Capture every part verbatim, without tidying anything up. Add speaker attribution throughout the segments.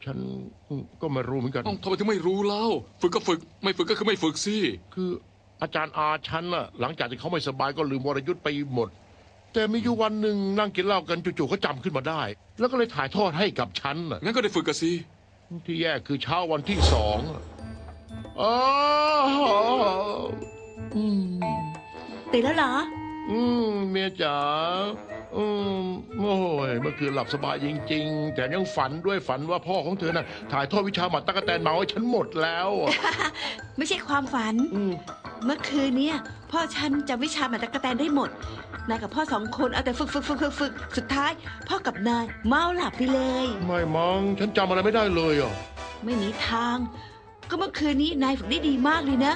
Speaker 1: ฉันก็ไม่รู้เหมือนกัน
Speaker 2: ทำไมถึงไม่รู้เล่าฝึกก็ฝึกไม่ฝึกก็คือไม่ฝึกสิ
Speaker 1: คืออาจารย์อาฉันน่ะหลังจากที่เขาไม่สบายก็ลืมวรยุทธ์ไปหมดแต่มีอยู่วันหนึ่งนั่งกินเหล้ากันจู่ๆเขาจำขึ้นมาได้แล้วก็เลยถ่ายทอดให้กับฉันน่ะ
Speaker 2: งั้นก็ได้ฝึกกันสิ
Speaker 1: ที่แย่คือเช้าวันที่สองอ๋อ
Speaker 3: ตื่นแล้วเหรอ
Speaker 1: อืมเมียจ๋าอืมโอ้ยเมื่อคืนหลับสบายจริงๆแต่ยังฝันด้วยฝันว่าพ่อของเธอน่ะถ่ายทอดวิชาหมัดตะกแตนเมาให้ฉันหมดแล้ว
Speaker 3: ไม่ใช่ความฝันเมื่อคืนเนี้ยพ่อฉันจำวิชาหมัดตะกแตนได้หมดนายกับพ่อสองคนเอาแต่ฝึกฝึกฝึกฝึกฝึกสุดท้ายพ่อกับนายเมาหลับไปเลย
Speaker 1: ไม่มั้งฉันจำอะไรไม่ได้เลยอ่ะ
Speaker 3: ไม่มีทางก็เมื่อคืนนี้นายฝึกได้ดีมากเลยนะ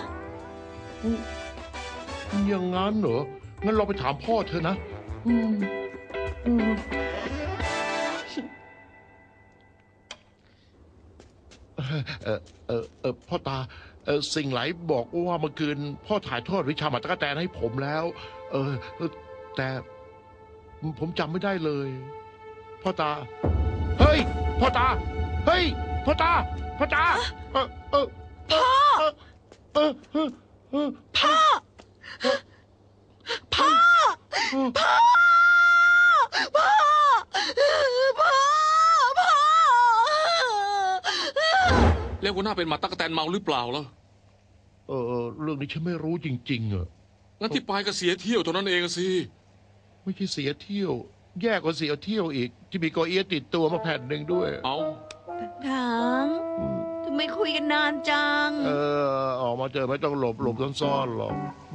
Speaker 1: อย่างงั้นเหรองั้นเราไปถามพ่อเธอนะอืมอืมเออเออเออพ่อตาเออสิ่งไหลบอกว่าเมื่อคืนพ่อถ่ายทอดวิชาหมัดตะกแตนให้ผมแล้วเออแต่ผมจำไม่ได้เลยพ่อตาเฮ้ยพ่อตาเฮ้ยพ่อตาพ่อตาเออเออ
Speaker 3: พ่อ
Speaker 1: เออเออเออ
Speaker 3: พ่อพ่อพ่อพ่อพ่อพ่อ
Speaker 2: แล้วหัวหน้าเป็นหมาตั๊กแตนเมาหรือเปล่าล่ะ
Speaker 1: เออเรื่องนี้ฉันไม่รู้จริงๆอ่ะ
Speaker 2: งั้นที่ไปก็เสียเที่ยวเท่านั้นเองสิ
Speaker 1: ไม่ใช่เสียเที่ยวแย่กว่าเสียเที่ยวอีกที่มีกอเอียติดตัวมาแผ่นหนึ่งด้วย
Speaker 2: เอา
Speaker 3: ถังทำไมคุยกันนานจัง
Speaker 1: เออออกมาเจอไม่ต้องหลบหลบซ่อนๆหรอก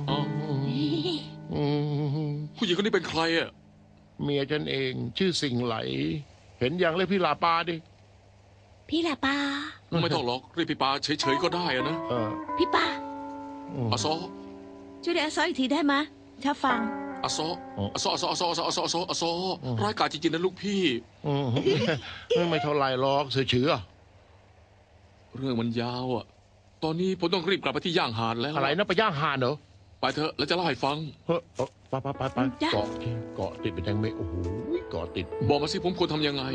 Speaker 2: ผู้หญิงคนนี้เป็นใครอ่ะ
Speaker 1: เมียฉันเองชื่อสิ่งไหลเห็นอย่างเรียกพี่ลาปาดิ
Speaker 3: พี่ลาปา
Speaker 2: ไม่ต้องหรอกเรียกพี่ปาเฉยๆก็ได้อะนะ
Speaker 3: พี่ปา
Speaker 2: อาซอ
Speaker 3: ช่วยเรียกอาซออีกทีได้ไหมถ้าฟัง
Speaker 2: อาซออาซออาซออาซออาซออาซออาซออาซอร้ายกาจจริงๆนะลูกพี่
Speaker 1: ไม่เท่าไรหรอกเสือเฉือ
Speaker 2: เรื่องมันยาวอ่ะตอนนี้ผมต้องรีบกลับไปที่ย่างหาดแล้ว
Speaker 1: อะไรนะไปย่างหาดเหรอ
Speaker 2: ไปเถอะแล้วจะเล่าให้ฟัง
Speaker 1: เฮ้ยไปไปไปไปเกาะเกาะติดเป็นแทงเมฆโอ้โหเกาะติด
Speaker 2: บอกมาสิผมควรทำยังไง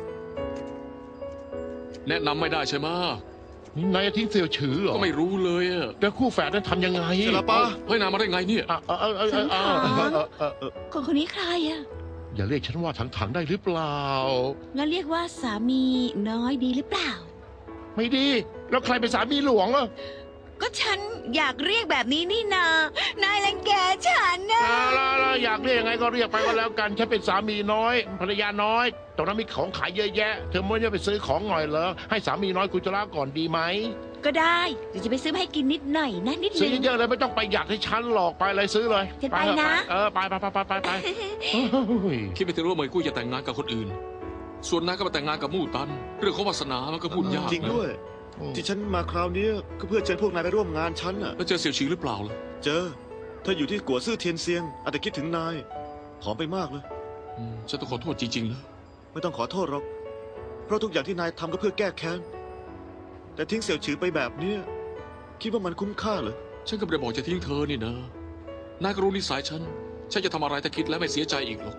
Speaker 2: แนะนำไม่ได้ใช่ไหม
Speaker 1: นี่นายทิ้งเสี่ยวฉือเหรอ
Speaker 2: ก็ไม่รู้เลยอะ
Speaker 1: แต่คู่แฝดนั้นทำยังไง
Speaker 2: เสลป้าเฮ้ยนายมาได้ไงเนี่ย
Speaker 3: คนคนนี้ใครอะ
Speaker 1: อย่าเรียกฉันว่าถังถังได้หรือเปล่า
Speaker 3: งั้นเรียกว่าสามีน้อยดีหรือเปล่า
Speaker 1: ไม่ดีแล้วใครเป็นสามีหลวงอ่ะ
Speaker 3: ก็ฉันอยากเรียกแบบนี้นี่นานายรังแกฉันนะ
Speaker 1: แล้วอยากเรียกยังไงก็เรียกไปก็แล้วกันฉันเป็นสามีน้อยภรรยาน้อยตรงนั้นมีของขายเยอะแยะเธอไม่ได้ไปซื้อของหน่อยเหรอให้สามีน้อยกุจราก่อนดีไหม
Speaker 3: ก็ได้เดี๋ยวจะไปซื้อให้กินนิดหน่อยนะนิดนึง
Speaker 1: ซื้อเยอะเลยไม่ต้องไปหยัดให้ฉันหลอกไปเลยซื้อเลย
Speaker 3: จะไปนะ
Speaker 1: เออไปไปไปไปไป
Speaker 2: คิดไม่ถึงว่าเหมยกุ้ยจะแต่งงานกับคนอื่นส่วนนายก็มาแต่งงานกับมู่ตันเรื่องของวาสนามันก็พูดยาก
Speaker 4: จริงด้วยที่ฉันมาคราวนี้ก็เพื่อเชิญพวกนายไปร่วมงานฉันน่ะ
Speaker 2: แล้วเจอเสี่ยวชิงหรือเปล่าล่ะ
Speaker 4: เจอเธออยู่ที่กัวซื่อเทียนเซียงอาจจะคิดถึงนายผอมไปมากเลย
Speaker 2: ฉันต้องขอโทษจริงๆนะ
Speaker 4: ไม่ต้องขอโทษหรอกเพราะทุกอย่างที่นายทำก็เพื่อแก้แค้นแต่ทิ้งเสี่ยวฉือไปแบบนี้คิดว่ามันคุ้มค่าเหรอ
Speaker 2: ฉันก็ไม่ได้บอกจะทิ้งเธอนี่นะนายก็รู้นิสัยฉันฉันจะทำอะไรแต่คิดแล้วไม่เสียใจอีกหรอก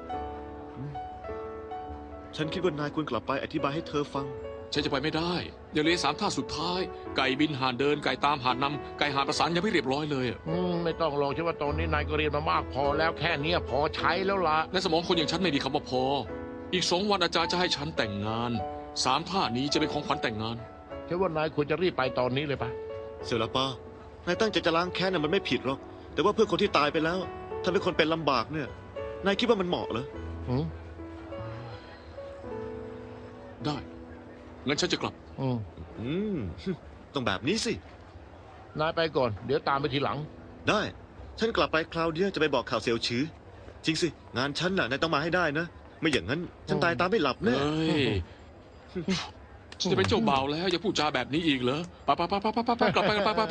Speaker 4: ฉันคิดว่านายควรกลับไปอธิบายให้เธอฟัง
Speaker 2: ฉันจะไปไม่ได้ยังเหลือสามท่าสุดท้ายไก่บินห่านเดินไก่ตามห่านนำไก่ห่านประสานยังไม่เรียบร้อยเลย
Speaker 1: อืมไม่ต้องหรอกใช่ว่าตอนนี้นายก็เรียนมามากพอแล้วแค่นี้พอใช้แล้วล่ะ
Speaker 2: ในสมองคนอย่างฉันไม่มีคำว่าพออีกสองวันอาจารย์จะให้ฉันแต่งงานสามท่านี้จะเป็นของขวัญแต่งงาน
Speaker 1: ใช่ว่านายควรจะรีบไปตอนนี้เลยปะ
Speaker 4: เสี่ยวละป้านายตั้งใจจะล้างแค้นน่ะมันไม่ผิดหรอกแต่ว่าเพื่อคนที่ตายไปแล้วทำให้คนเป็นลำบากเนี่ยนายคิดว่ามันเหมาะเหรอ
Speaker 2: ได้งั้นฉันจะกลับ
Speaker 1: อืม
Speaker 4: อืมต้องแบบนี้สิ
Speaker 1: นายไปก่อนเดี๋ยวตามไปทีหลัง
Speaker 4: ได้ฉันกลับไปคราวเดียวจะไปบอกข่าวเสี่ยวฉือจริงสิงานฉันน่ะนายต้องมาให้ได้นะไม่อย่างนั้นฉันตายตามไม่หลับแน่
Speaker 2: ฉันจะเป็นเจ้าบ่าวแล้วอย่าพูดจาแบบนี้อีกเหรอไปไปไปไปไปไปกลับไปไปไปไป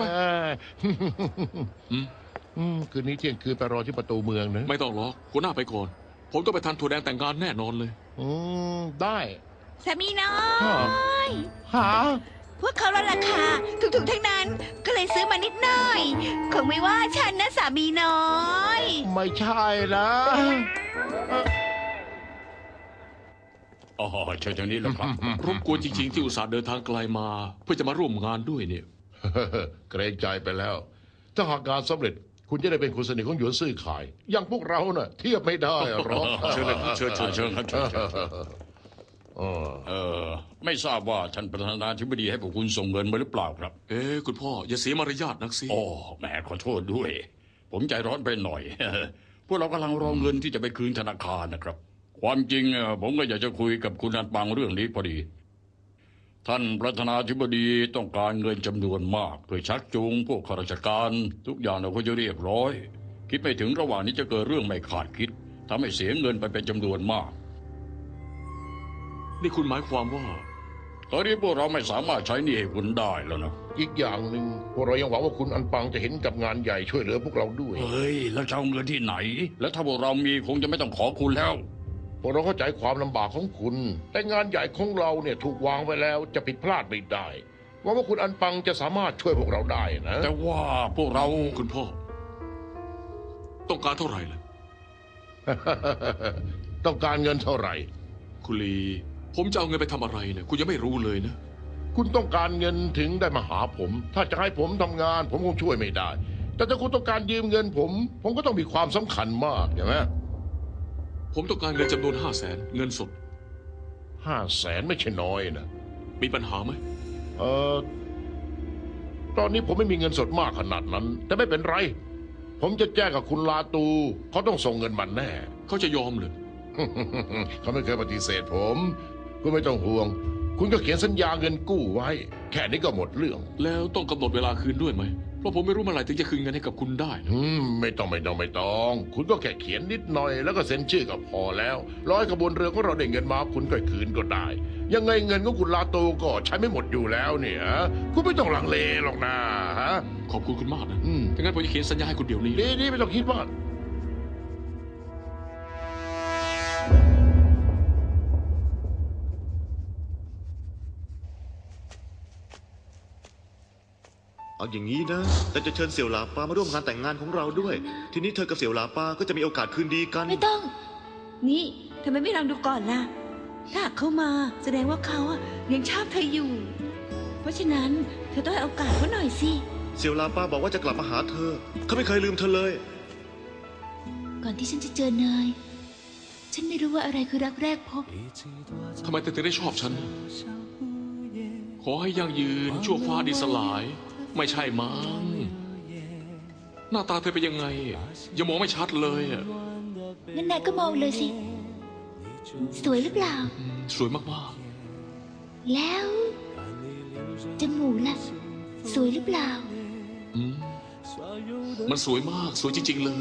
Speaker 1: คืนนี้เที่ยงคืนไปรอที่ประตูเมืองนะ
Speaker 2: ไม่ต้องหรอกหัวหน้าไปก่อนผมต้องไปทานถั่วแดงแต่งงานแน่นอนเลย
Speaker 1: อืมได้
Speaker 3: สามีน้อย
Speaker 1: หา
Speaker 3: พวกเขาลดราคาถูกๆทั้งนั้นก็เลยซื้อมานิดหน่อยคงไม่ว่าฉันนะสามีน้อย
Speaker 1: ไม่ใช่นะ
Speaker 5: อ๋อเชิญทางนี้แล้วครับ
Speaker 2: รบกวนจริง ๆ ที่อุตส่าห์เดินทางไกลมา เพื่อจะมาร่วมงานด้วยเนี่ย
Speaker 1: เกรงใจไปแล้ว ถ้าหากงานสำเร็จ คุณจะได้เป็นคนสนิทของหยวนซื่อขาย อย่างพวกเราน่ะ เทียบไม่ได้หรอก
Speaker 5: เชิญเลยครับเชิญเชิญเชิญครับเชิญเชิญเชิญ
Speaker 1: เออ
Speaker 5: เออไม่ทราบว่าท่านประธานาธิบดีให้พวกคุณส่งเงินมาหรือเปล่าครับ
Speaker 2: เอ๊ะคุณพ่ออย่าเสียมารยาทนักสิ
Speaker 5: โอ้แหมขอโทษด้วย ผมใจร้อนไปหน่อย พวกเรากำลังรอเงินที่จะไปคืนธนาคารนะครับ ความจริงเอ่อผมก็อยากจะคุยกับคุณอันปังเรื่องนี้พอดี ท่านประธานาธิบดีต้องการเงินจำนวนมากเพื่อชักจูงพวกข้าราชการทุกอย่างเราก็จะเรียบร้อย คิดไม่ถึงระหว่างนี้จะเกิดเรื่องไม่คาดคิดทำให้เสียเงินไปเป็นจำนวนมาก
Speaker 2: นี่คุณหมายความว่า
Speaker 5: ตอนนี้พวกเราไม่สามารถใช้หนี้ให้คุณได้แล้วนะ
Speaker 1: อีกอย่างหนึ่งพวกเรายังหวังว่าคุณอันปังจะเห็นกับงานใหญ่ช่วยเหลือพวกเราด้วย
Speaker 5: เฮ้ยแล้วจะเอาเงินที่ไหน แล้วถ้าพวกเรามีคงจะไม่ต้องขอคุณแล้ว
Speaker 1: พวกเราเข้าใจความลำบากของคุณ แต่งานใหญ่ของเราเนี่ยถูกวางไว้แล้วจะผิดพลาดไม่ได้หวังว่าคุณอันปังจะสามารถช่วยพวกเราได้นะ
Speaker 5: แต่ว่าพวกเรา
Speaker 2: คุณพ่อ ต้องการเท่าไหร่ล่ะ
Speaker 1: ต้องการเงินเท่าไหร่
Speaker 2: คุณลีผมจะเอาเงินไปทำอะไรเนี่ยคุณยังไม่รู้เลยนะ
Speaker 1: คุณต้องการเงินถึงได้มาหาผม ถ้าจะให้ผมทำงาน ผมคงช่วยไม่ได้ แต่ถ้าคุณต้องการยืมเงินผม ผมก็ต้องมีความสำคัญมากใช่ไหม
Speaker 2: ผมต้องการเงินจำนวนห้าแสนเงินสด
Speaker 1: ห้าแสนไม่ใช่น้อยนะ
Speaker 2: มีปัญหาไหม
Speaker 1: เออตอนนี้ผมไม่มีเงินสดมากขนาดนั้น แต่ไม่เป็นไร ผมจะแจ้งกับคุณลาตู เขาต้องส่งเงินมันแน่
Speaker 2: เขาจะยอมเลย
Speaker 1: เขาไม่เคยปฏิเสธผม คุณไม่ต้องห่วง คุณก็เขียนสัญญาเงินกู้ไว้ แค่นี้ก็หมดเรื่อง
Speaker 2: แล้วต้องกำหนดเวลาคืนด้วยไหมเพราะผมไม่รู้เมื่อไหร่ถึงจะคืนเงินให้กับคุณได้นะ
Speaker 1: อืมไม่ต้องไม่ต้องไม่ต้อง คุณก็แค่เขียนนิดหน่อย แล้วก็เซ็นชื่อก็พอแล้วร้อยกระบวนเรือของเราได้เงินมา คุณก็คืนก็ได้ ยังไงเงินของคุณลาโตก็ใช้ไม่หมดอยู่แล้วเนี่ยคุณไม่ต้องลังเลหรอกนะฮะ
Speaker 2: ขอบคุณคุณมากนะ
Speaker 1: อืม
Speaker 2: ถ้างั้นผมจะเขียนสัญญาให้คุณเดี๋ยวนี้
Speaker 1: ดีดีไม่ต้องคิดมาก
Speaker 4: เอาอย่างนี้นะ แต่จะเชิญเสี่ยวหลาปามาร่วมงานแต่งงานของเราด้วย ทีนี้เธอกับเสี่ยวหลาปาก็จะมีโอกาสคืนดีกัน
Speaker 3: ไม่ต้อง นี่ทำไมไม่ลองดูก่อนล่ะ ถ้าหากเขามาแสดงว่าเขาอะยังชอบเธออยู่ เพราะฉะนั้นเธอต้องให้โอกาสเขาหน่อยสิ
Speaker 4: เสี่ยวหลาปาบอกว่าจะกลับมาหาเธอ เขาไม่เคยลืมเธอเลย
Speaker 6: ก่อนที่ฉันจะเจอนาย ฉันไม่รู้ว่าอะไรคือรักแรกพบ
Speaker 2: ทำไมเธอถึงได้ชอบฉัน ขอให้ยั่งยืนชั่วฟ้าดินสลาย ไม่ใช่มั้งหน้าตาเธอเป็นยังไงยังมองไม่ชัดเลยอะ
Speaker 6: งั้นนายก็มองเลยสิ สวยหรือเปล่า
Speaker 2: อืมสวยมาก
Speaker 6: แล้วจมูกล่ะ สวยหรือเปล่า
Speaker 2: ๆอืมมันสวยมากสวยจริง ๆ เลย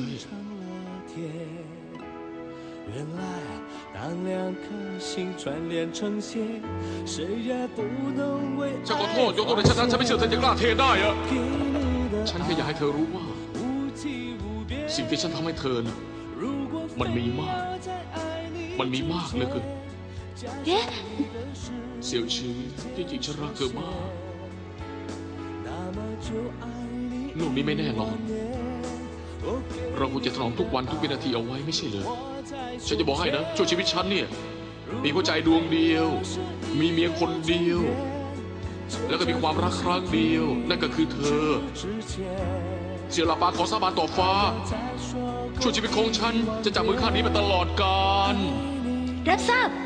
Speaker 7: 原来当两颗心串联成线，谁也不能为
Speaker 2: ฉันขอ
Speaker 7: 爱
Speaker 2: โทษยกตัวในฉันนั้นฉันไม่เชื่อเธอจะกล้าเทได้อะ
Speaker 7: 给你的
Speaker 2: ฉันแค่อยากให้เธอรู้ว่า
Speaker 7: 无际无边。
Speaker 2: สิ่งที่ฉันทำให้เธอน่ะ
Speaker 7: 如果
Speaker 2: มันมีมาก
Speaker 7: 在爱你
Speaker 2: มันมีมากเหลยคือ
Speaker 6: เอ๊ะ
Speaker 2: เสี่ยวชื่อที่จริงฉันรักเธอมาก
Speaker 7: 那么就爱你
Speaker 2: โลกนี้ไม่แน่นอน
Speaker 7: 我给
Speaker 2: เราควรจะถนอมทุกวันทุกวินาทีเอาไว้ไม่ใช่เหรอฉันจะบอกให้นะช่วงชีวิตฉันเนี่ย มีหัวใจดวงเดียว มีเมียคนเดียว แล้วก็มีความรักครั้งเดียว นั่นก็คือเธอ
Speaker 7: 之前
Speaker 2: เสี่ยวหลาปาขอสาบานต่อฟ้า
Speaker 7: 再说
Speaker 2: ช่วงชีวิตของฉันจะจับมือข้างนี้ไปตลอดกาล
Speaker 6: รับทราบ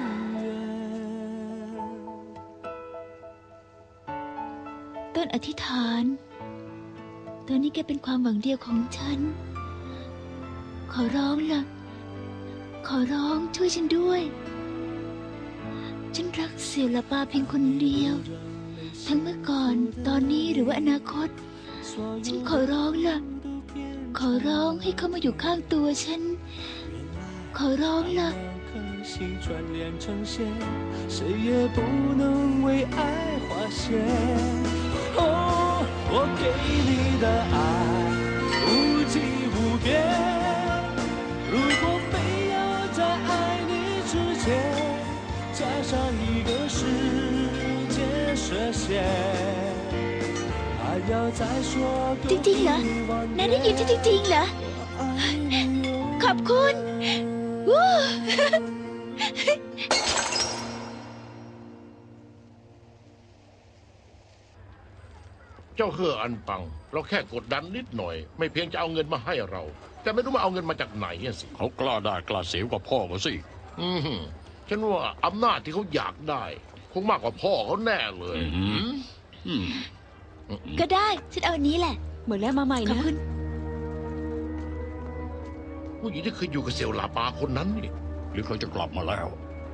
Speaker 6: ต้นอธิษฐาน ตอนนี้แกเป็นความหวังเดียวของฉัน ขอร้องล่ะ ขอร้องช่วยฉันด้วย ฉันรักเสี่ยวหลาปาเพียงคนเดียว ทั้งเมื่อก่อน ตอนนี้หรือว่าอนาคต ฉันขอร้องล่ะ ขอร้องให้เขามาอยู่ข้างตัวฉัน ขอร้องล่ะ
Speaker 7: 颗心串联成线，谁也不能为爱划线。哦，我给你的爱无际无边，如果非要在爱你之前加上一个时间设限，还要再说
Speaker 6: จริงๆเหรอ นายได้ยินฉันจริงๆเหรอ ขอบคุณวู้
Speaker 1: เจ้าเฮออันปัง เราแค่กดดันนิดหน่อย ไม่เพียงจะเอาเงินมาให้เรา แต่ไม่รู้มาเอาเงินมาจากไหนอะสิ
Speaker 5: เขากล้าได้กล้าเสียกว่าพ่อเขาสิ
Speaker 1: อืมฉันว่าอำนาจที่เขาอยากได้ คงมากกว่าพ่อเขาแน่เลย
Speaker 5: อืม อืม
Speaker 6: ก็ได้ ฉันเอาอันนี้แหละ
Speaker 3: เหมือนแล้วมาใหม่
Speaker 6: ขอบ
Speaker 3: นะ
Speaker 6: คุณ
Speaker 1: ผู้หญิงที่เคยอยู่กับเสี่ยวหลาปาคนนั้นนี่
Speaker 5: หรือเขาจะกลับมาแล้ว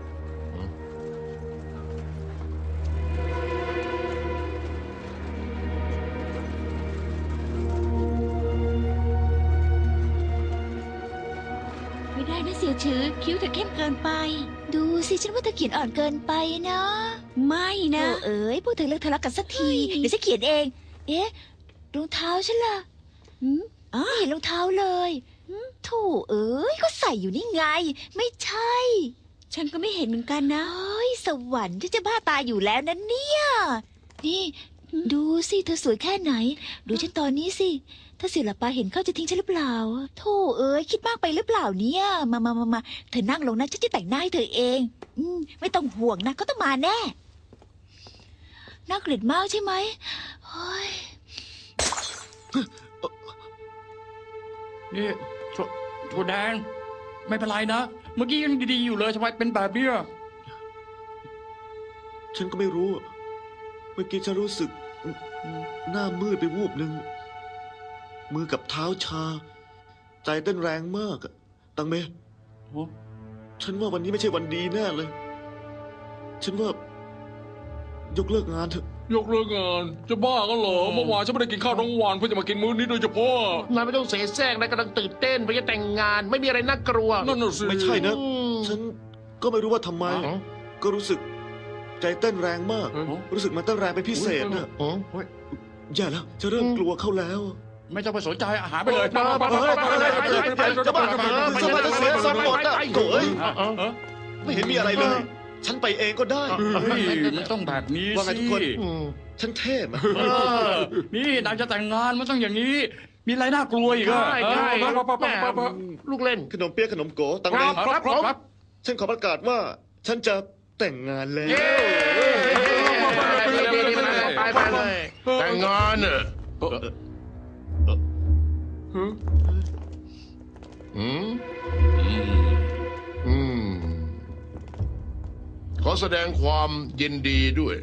Speaker 3: ไม่ได้นะเสี่ยวชือคิ้วเธอเข้มเกินไป
Speaker 6: ดูสิฉันว่าเธอเขียนอ่อนเกินไปนะ
Speaker 3: ไม่
Speaker 6: โอ้
Speaker 3: นะ
Speaker 6: เอ๋ยพวกเธอเลิกทะเลาะกันสักที
Speaker 3: เฮ้ย
Speaker 6: เดี๋ยวฉันเขียนเอง เอ๊ะรองเท้าฉันล่ะหืม
Speaker 3: อ๋อ
Speaker 6: ไม่เห็นรองเท้าเลยหืมโถูเอ๋ยก็ใส่อยู่นี่ไง ไม่ใช่
Speaker 3: ฉันก็ไม่เห็นเหมือนกันนะ
Speaker 6: เฮ้ยสวรรค์ที่จะบ้าตายอยู่แล้วนะเนี่ย นี่ ดูสิเธอสวยแค่ไหน ดูฉันตอนนี้สิ ถ้าเสี่ยวหลับปาเห็นเขาจะทิ้งฉันหรือเปล่าโธ่เอ้ยคิดมากไปหรือเปล่าเนี่ย มามามามาเธอนั่งลงนะฉันจะแต่งหน้าให้เธอเอง อืมไม่ต้องห่วงนะเขาต้องมาแน่น่าเกลียดมากใช่ไหมเฮ้ย
Speaker 5: นี่ถั่วถั่วแดง ไม่เป็นไรนะ เมื่อกี้ยังดีๆอยู่เลยทำไมเป็นแบบเนี้ย
Speaker 4: ฉันก็ไม่รู้ เมื่อกี้ฉันรู้สึกหน้ามืดไปวูบหนึ่งมือกับเท้าชา ใจเต้นแรงมากอะตังเม
Speaker 2: โอ้
Speaker 4: ฉันว่าวันนี้ไม่ใช่วันดีแน่เลย ฉันว่า ยกเลิกงานเถอะ
Speaker 2: ยกเลิกงาน จะบ้ากันเหรอ เมื่อวานฉันไม่ได้กินข้าวทั้งวันเพื่อจะมากินมื้อนี้โดยเฉพาะ
Speaker 1: นายไม่ต้องเสแสร้งนายกำลังตื่นเต้นเพราะจะแต่งงาน ไม่มีอะไรน่ากลัว
Speaker 2: นั่นน่ะสิ
Speaker 4: ไม่ใช่นะ
Speaker 1: อืม
Speaker 4: ฉันก็ไม่รู้ว่าทำไม
Speaker 1: อ๋อ
Speaker 4: ก็รู้สึก ใจเต้นแรงมาก
Speaker 2: เอ้ย
Speaker 4: รู้สึกมันเต้นแรงเป็นพิเศษนะ
Speaker 1: อ๋อ
Speaker 4: อย่าแล้วจะเริ่มกลัวเข้าแล้ว
Speaker 5: ไม่ต้องไปสนใจอาหารไปเลย
Speaker 1: ไปไปไปไปไปไปไปจะบ้าจะบ้าไปจะบ้าจะเสียสมบัติอ่ะโอ้ยไม่เห็นมีอะไรเลย ฉันไปเองก็ได้
Speaker 5: เฮ้ยมันต้องแบบนี้
Speaker 4: ว่าไงทุ
Speaker 5: สิ
Speaker 4: กคน
Speaker 1: อืม
Speaker 4: ฉันเท่ไหม
Speaker 5: เออนี่นายจะแต่งงานมันต้องอย่างนี้ มีอะไรน่ากลัวอีกอะ
Speaker 1: ใช่ใช่
Speaker 5: เออไปไปไปไปไป
Speaker 1: ลูกเล่น
Speaker 4: ขนมเปี๊ยะขนมโกตัง
Speaker 1: ค
Speaker 4: เม
Speaker 1: รับครับครับ
Speaker 4: ฉันขอประกาศว่า ฉันจะแต่งงานแล้ว
Speaker 1: เย้ไปไปเลยแต่งงานเนอะ
Speaker 2: เออเออ
Speaker 1: อืม
Speaker 5: อืม
Speaker 1: อืมขอแสดงความยินดีด้วย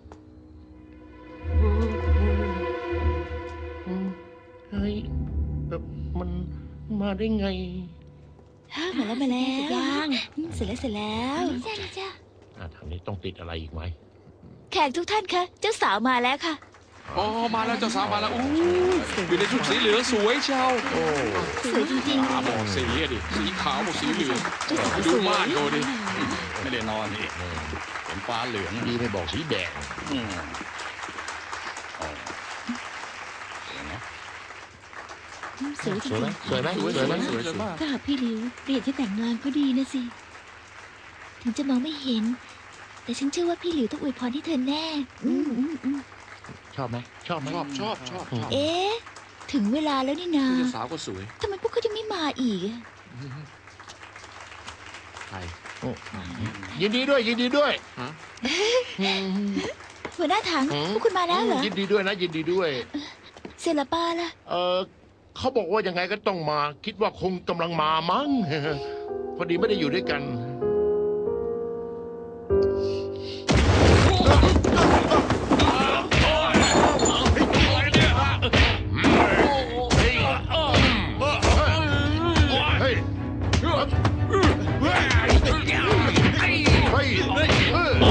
Speaker 1: เฮ้ยแบบมันมาได้ไง
Speaker 6: ฮ่ามาแล้วมาแล้ว
Speaker 3: ยัง
Speaker 6: อืมเสร็จแล้วเสร็จแล้ว
Speaker 3: จ้าจ้า
Speaker 1: อ่ะทางนี้ต้องติดอะไรอีกไหม
Speaker 6: แขกทุกท่านคะเจ้าสาวมาแล้วค่ะ
Speaker 2: อ๋อมาแล้วเจ้าสาวมาแล้วอู้อยู่ในชุดสีเหลืองสวยเชียว
Speaker 1: โอ้
Speaker 6: สวยจริง
Speaker 2: ตาบอกสีอะดิ สีขาวบอกสีเหลืองดูม่านเขาดิ
Speaker 5: ไม่ได้นอนนี่เห็นฟ้าเหลือง
Speaker 1: ดีไม่บอกสีแดง
Speaker 5: อืมอ๋อเห็นไหม
Speaker 6: ๆสวยจ
Speaker 1: สวยไหม
Speaker 6: ริง
Speaker 1: สวยไหมสวยไหม
Speaker 2: สวยสวยมาก
Speaker 6: ๆถ้าหากพี่หลิวเปลี่ยนที่แต่งงานก็ดีนะสิ ถึงจะมองไม่เห็น แต่ฉันเชื่อว่าพี่หลิวต้องอวยพรให้เธอแน่ อืมอืมอืม
Speaker 1: ชอบไหมชอบไหม
Speaker 2: ชอบชอบชอบชอบ
Speaker 6: เอ๊ะ ถึงเวลาแล้วนี่นา
Speaker 2: เจ้าสาวก็สวย
Speaker 6: ทำไมพวกเขายังไม่มาอีกอะ
Speaker 2: ใคร
Speaker 1: ยินดีด้วยยินดีด้วย
Speaker 2: ฮะ
Speaker 1: อืม
Speaker 6: หัวหน้าถัง
Speaker 1: อืม
Speaker 6: พวกคุณมาแล้วเหรอ
Speaker 1: ยินดีด้วยนะยินดีด้วย
Speaker 6: เซลาปาล่ะ
Speaker 1: เออเขาบอกว่ายังไงก็ต้องมา คิดว่าคงกำลังมามั้ง พอดีไม่ได้อยู่ด้วยกัน เฮ้ย เฮ้ย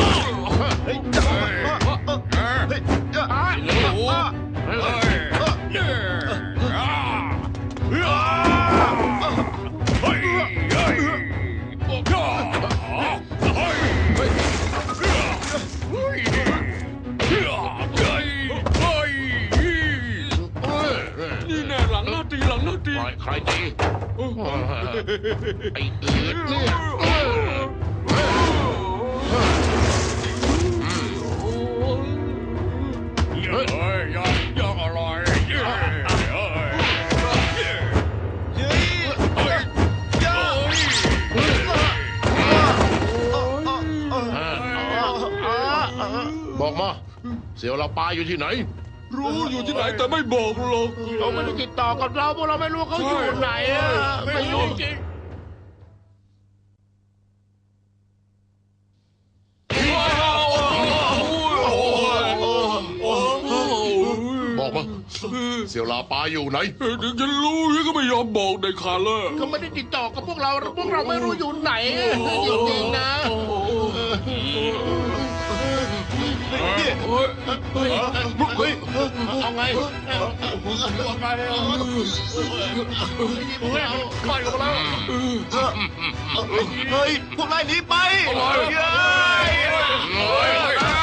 Speaker 2: นี่แน่หลังหน้าตีหลังหน้าตี
Speaker 1: ใครใครตีไอ้อืดเนี่ยเฮ้ย
Speaker 5: เฮ้ยยอดยอดอร่อยเย้เฮ้ย
Speaker 1: บอกมา เสี่ยวเราปาอยู่ที่ไหน
Speaker 2: รู้อยู่ที่ไหนแต่ไม่บอกหรอก
Speaker 1: เขาไม่ได้ติดต่อกับเราเพราะเราไม่รู้เขาอยู่ไหนอะไม่รู้จริงบอกมาเสี่ยวลาปาอยู่ไหน
Speaker 2: ถึงจะรู้ก็ไม่ยอมบอกในขาดเลย
Speaker 1: เขาไม่ได้ติดต่อกับพวกเราพวกเราไม่รู้อยู่ไหนจริงๆนะ
Speaker 2: เฮ้ยเฮ้ย
Speaker 1: เฮ้ยเอาไงเอาไงปล่อยกันมาแล้ว
Speaker 4: เฮ้ย พวกนายหนีไป
Speaker 1: เฮ้ย